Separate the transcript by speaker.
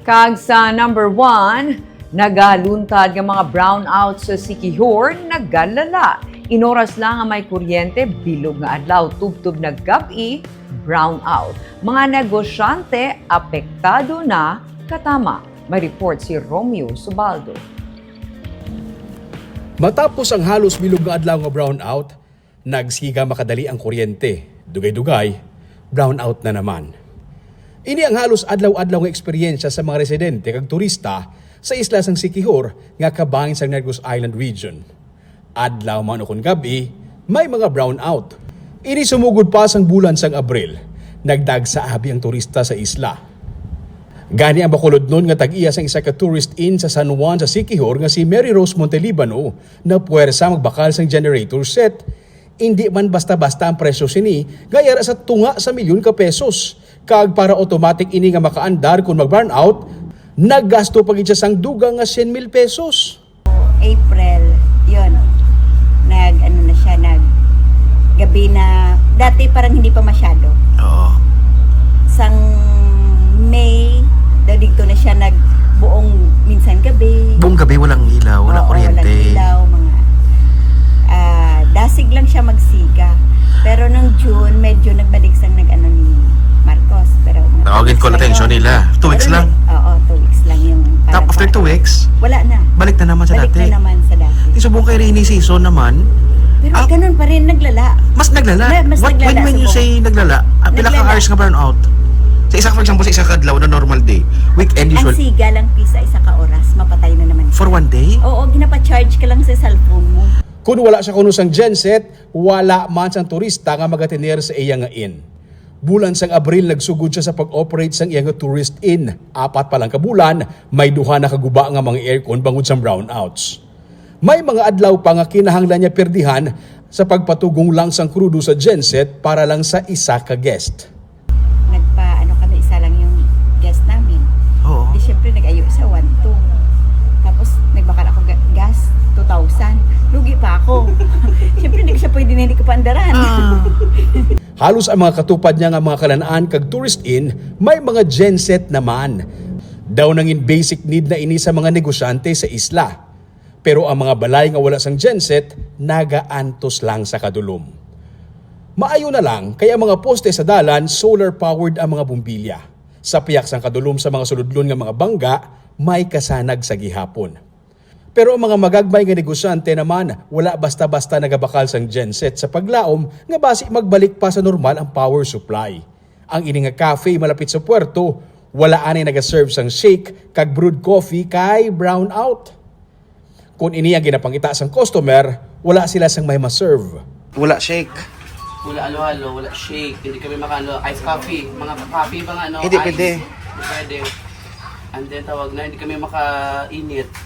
Speaker 1: Kag sa number 1, nagaluntad nga mga brownout sa Siquijor, nagalala. Inoras lang nga may kuryente, bilog nga adlaw, tubtub na gabi, brownout. Mga negosyante, apektado na, katama. May report si Romeo Subaldo.
Speaker 2: Matapos ang halos bilog nga adlaw nga brownout, nagsiga makadali ang kuryente. Dugay-dugay, brownout na naman. Ini ang halos adlaw-adlaw nga eksperyensya sa mga residente kag turista sa isla sang Siquijor nga kabahin sa Negros Island region. Adlaw man o kun gabi, may mga brownout. Ini sumugod pa sang bulan sang Abril. Nagdag sa abi ang turista sa isla. Gani ang bakulod nun nga tag-iya sang isa ka tourist inn sa San Juan sa Siquijor nga si Mary Rose Montelibano na puwersa magbakal sang generator set. Hindi man basta-basta ang presyo sini, gayara sa tunga sa milyon ka pesos. Kag para automatic ini nga makaandar kung mag-burnout, naggasto pa gid siya sang dugang nga 100,000 pesos.
Speaker 3: April, yun. Gabi na, dati parang hindi pa masyado.
Speaker 4: Oo.
Speaker 3: Sang May, dadigto na siya buong minsan gabi.
Speaker 4: Buong gabi walang ilaw, walang kuryente.
Speaker 3: Walang ilaw, dasig lang siya magsiga. Pero nung June, medyo nagbalik sang ni Marcos. Pero
Speaker 4: Tawagin ko attention nila. 2 weeks lang.
Speaker 3: Oo, 2 weeks lang yung
Speaker 4: After 2 weeks,
Speaker 3: wala na.
Speaker 4: balik na naman sa
Speaker 3: Balik
Speaker 4: dati.
Speaker 3: na naman sa dati.
Speaker 4: Subong kay rainy season naman,
Speaker 3: Pero ganun pa rin, naglala.
Speaker 4: mas naglala.
Speaker 3: Mas naglala
Speaker 4: When you
Speaker 3: subong.
Speaker 4: say naglala, pila ka
Speaker 3: Naglala.
Speaker 4: hours nga burnout? Sa isa, for example, sa isa kadlaw na normal day, weekend
Speaker 3: Ang
Speaker 4: usual,
Speaker 3: siga lang pisa isa ka oras, mapatay na naman.
Speaker 4: for 1 day?
Speaker 3: Oo, ginapa-charge ka lang sa cellphone mo.
Speaker 2: Kung wala siya kuno sang genset, wala man sang turista nga magatener sa iya nga inn. Bulan sang Abril nagsugod siya sa pag-operate sang iya nga tourist inn. 4 pa lang ka bulan, may duha na kaguba nga mga aircon bangod sang brownouts. May mga adlaw pa nga kinahanglan niya perdihan sa pagpatugong lang sang krudo sa genset para lang sa isa ka guest.
Speaker 3: Kami, isa lang yung guest namin.
Speaker 4: Oo.
Speaker 3: Di syempre nag-ayo sa 1-2. Tapos nagbakal ako gas, 2,000. Lugi pa ako. Syempre hindi ko siya pwede na hindi ko paandaran.
Speaker 2: Halos ang mga katupad niya nga mga kalanaan kag tourist inn, may mga genset naman. Daw nangin basic need na ini sa mga negosyante sa isla. Pero ang mga balay nga wala sang genset, nagaantos lang sa kadulom. Maayo na lang, kaya mga poste sa dalan, solar-powered ang mga bumbilya. Sa piyak sang kadulom sa mga suludlon nga mga bangga, may kasanag sa gihapon. Pero ang mga magagmay nga negosyante naman, wala basta-basta nagabakal sang genset sa paglaom nga basi magbalik pa sa normal ang power supply. Ang ini nga cafe malapit sa puerto, wala anay nagaserve sang shake kag brewed coffee kay brownout. Kung ini ang ginapangita sang customer, wala sila sang may maserve.
Speaker 4: Wala shake.
Speaker 5: Wala halo-halo, wala shake, hindi kami makano, ice coffee, mga coffee, mga
Speaker 4: Hindi
Speaker 5: ice.
Speaker 4: pwede.
Speaker 5: Hindi pwede. And then tawag na, hindi kami makainit.